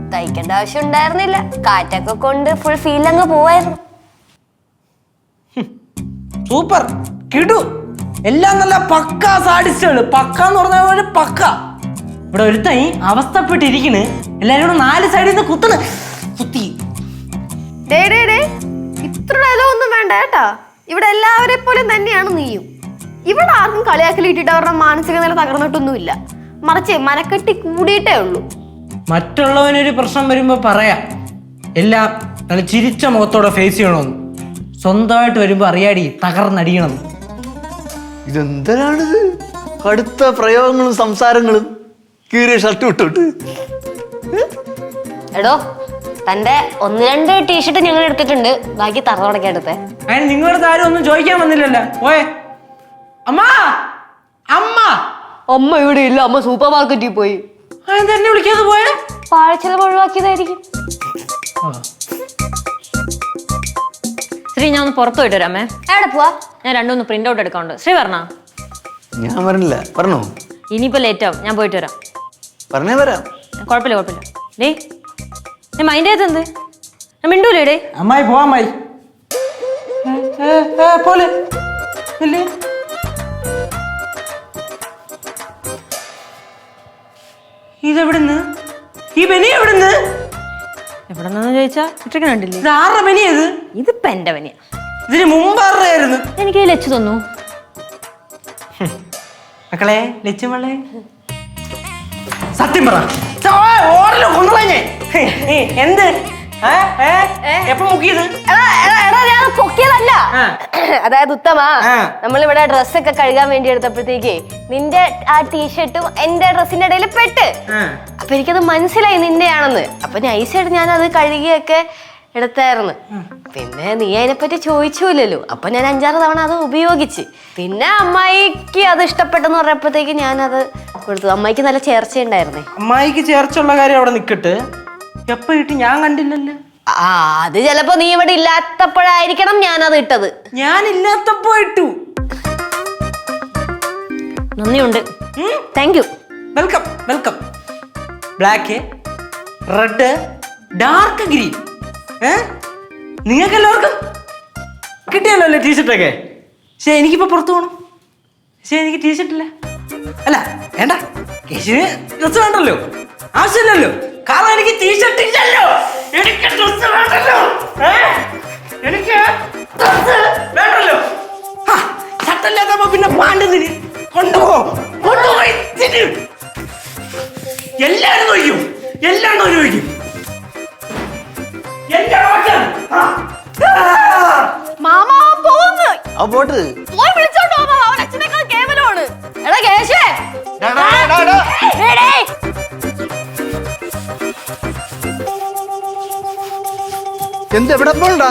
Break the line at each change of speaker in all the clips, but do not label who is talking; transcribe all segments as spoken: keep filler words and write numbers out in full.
തയ്ക്കേണ്ട ആവശ്യം ഉണ്ടായിരുന്നില്ല. കാറ്റൊക്കെ കൊണ്ട് ഫുൾ ഫീൽ അങ്ങ് പോവായിരുന്നു.
സൂപ്പർ കിടു എല്ലാം നല്ല പക്ക സാഡിസ്റ്റുകള്. പക്ക എന്ന് പറഞ്ഞ പക്ക. ഇവിടെ ഒരുത്തൈ അവസ്ഥപ്പെട്ടിരിക്കണ്. എല്ലാരും കൂടെ നാല് സൈഡിൽ നിന്ന് കുത്തണ് കുത്തി.
ഇത്ര ഒന്നും വേണ്ട കേട്ടാ. ഇവിടെ എല്ലാവരെ പോലും തന്നെയാണ് നീയും. ഇവിടെ ആർക്കും കളിയാക്കലിട്ടിട്ട് അവരുടെ മാനസിക നില തകർന്നിട്ടൊന്നുമില്ല. മറിച്ച് മനക്കെട്ടി കൂടിയിട്ടേ ഉള്ളൂ.
മറ്റുള്ളവനൊരു പ്രശ്നം വരുമ്പോ പറയാം, എല്ലാം നല്ല ചിരിച്ച മുഖത്തോടെ ഫേസ് ചെയ്യണമെന്ന്. സ്വന്തമായിട്ട് വരുമ്പോ അറിയാടി തകർന്നടിയണം.
ഇതെന്തിനാണിത്? കടുത്ത പ്രയോഗങ്ങളും സംസാരങ്ങളും. കീറിയ ഷർട്ട് വിട്ടോട്ട്.
എടോ, തന്റെ ഒന്ന് രണ്ട് ടീഷർട്ട് ഞങ്ങൾ എടുത്തിട്ടുണ്ട്. ബാക്കി തറ തുടക്കാൻ എടുത്തേ.
അതിന് നിങ്ങളുടെ ആരും ഒന്നും ചോദിക്കാൻ വന്നില്ലല്ലോ. ഓയെ അമ്മ അമ്മ
അമ്മ ഇവിടെ ഇല്ല. അമ്മ സൂപ്പർ മാർക്കറ്റിൽ പോയി.
തന്നെ വിളിക്കാതെ പോയ
പാഴ്ചെലവ് ഒഴിവാക്കിയതായിരിക്കും.
ശ്രീ, ഞാൻ ഒന്ന് പുറത്തു പോയിട്ട് വരാമേ.
എവിടെ പോവാ?
ഞാൻ രണ്ടുമൂന്ന് പ്രിന്റ് ഔട്ട് എടുക്കാനുണ്ട്. ശ്രീ പറഞ്ഞ
ഞാൻ പറഞ്ഞില്ല. പറഞ്ഞോ?
ഇനിയിപ്പോ ലേറ്റ് ആവും. ഞാൻ പോയിട്ട് വരാം.
പറഞ്ഞേ വരാം.
കുഴപ്പമില്ല കുഴപ്പമില്ല. ഡേ ഞാൻ മൈൻഡ് ചെയ്ത് എന്ത് ഞാൻ മിണ്ടൂലേ ഡേ.
അമ്മായി പോവാ. അമ്മായി പോലെ ഇതെവിടുന്ന്? ഈ ബനി എവിടുന്ന്?
എവിടെ നിന്നു ചോദിച്ചാ ഇത്രയ്ക്ക് കണ്ടില്ലേ?
ഇത് ആരുടെ ബനിയത്?
ഇതിപ്പോ എന്റെ പനിയാ.
ഇതിന് മുമ്പ് ആരുടെയായിരുന്നു?
എനിക്ക് ലച്ചു തന്നു.
മക്കളെ ലച്ചുമളെ സത്യം പറ. എന്ത് എപ്പോ മുക്കിയത്?
പൊക്കിയതല്ല. അതായത് ഉത്തമ, നമ്മളിവിടെ ഡ്രസ്സൊക്കെ കഴുകാൻ വേണ്ടി എടുത്തപ്പോഴത്തേക്ക് നിന്റെ ആ ടീഷർട്ടും എന്റെ ഡ്രസ്സിന്റെ ഇടയിൽ പെട്ട്. അപ്പൊ എനിക്കത് മനസ്സിലായി നിന്റെയാണെന്ന്. അപ്പൊ നൈസായിട്ട് ഞാൻ അത് കഴുകിയൊക്കെ എടുത്തായിരുന്നു. പിന്നെ നീ അതിനെപ്പറ്റി ചോദിച്ചില്ലല്ലോ. അപ്പൊ ഞാൻ അഞ്ചാറ് തവണ അത് ഉപയോഗിച്ച്. പിന്നെ അമ്മായിക്ക് അത് ഇഷ്ടപ്പെട്ടെന്ന് പറഞ്ഞപ്പോഴത്തേക്ക് ഞാനത് കൊടുത്തു. അമ്മായിക്ക് നല്ല ചേർച്ചയുണ്ടായിരുന്നേ.
അമ്മായിക്ക് ചേർച്ചുള്ള കാര്യം അവിടെ നിക്കട്ട്. എപ്പോ ഇട്ട് ഞാൻ കണ്ടില്ലല്ലോ.
ആ, അത് ചിലപ്പോ നീ ഇവിടെ ഇല്ലാത്തപ്പോഴായിരിക്കണം ഞാനത് ഇട്ടത്.
ഞാൻ ഇല്ലാത്തപ്പോ ഇട്ടു.
നന്ദിയുണ്ട്. Thank you.
Welcome welcome. Black, red, dark green. ഏ നിങ്ങൾക്ക് എല്ലാവർക്കും കിട്ടിയല്ലോ അല്ലേ ടീഷർട്ടൊക്കെ? പക്ഷെ എനിക്കിപ്പോ പുറത്തു പോകണം. പക്ഷെ എനിക്ക് ടീഷർട്ടില്ല. അല്ല വേണ്ട, കേശുവിന് ഡ്രസ് വേണ്ടല്ലോ, ആവശ്യമില്ലല്ലോ. കാരണം എനിക്ക് ടീഷർട്ട് ഇല്ലല്ലോ. എനിക്ക് ഡ്രസ് വേണ്ടല്ലോ. എനിക്ക് ഡ്രസ് വേണ്ടല്ലോ. ഷർട്ടല്ലാത്തപ്പോ പിന്നെ പാണ്ടതിന് കൊണ്ടുപോ കൊണ്ടുപോയി എല്ലാരും നോക്കും. എല്ലാം നോക്കും.
മാമാ പോകുന്നു.
ആ പോട്ട്
പോയി വിളിച്ചോണ്ട് പോ. അവൻ അച്ഛനേക്കാൾ കേവലമാണ്. എടാ കേശേ,
എന്ത് എവിടെ പോണ്ടാ?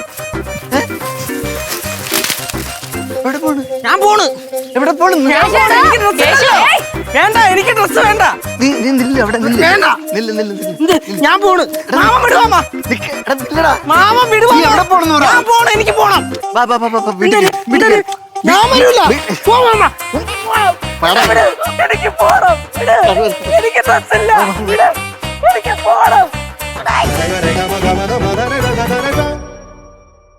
എവിടെ പോണ്?
ഞാൻ പോണ്.
എവിടെ പോണ്?
വേണ്ട, എനിക്ക് ഡ്രസ് വേണ്ട.
നീ നീ നില്ല അവിടെ നില്ല.
വേണ്ട.
നില്ല നില്ല നില്ല.
ഞാൻ പോണ്. മാമൻ വിടുവാ.
നിക്ക്. എടാ നില്ലടാ.
മാമൻ വിടുവാ.
നീ എവിടെ പോണെന്ന് പറ.
ഞാൻ പോണം. എനിക്ക് പോണം.
വാ വാ വാ വാ വീട്ടിൽ വീട്ടിൽ.
ഞാൻ വരൂല. പോ മാമ.
വാടാ.
എനിക്ക് പോണം. എനിക്ക് ഡ്രസ് ഇല്ല. എനിക്ക് പോണം.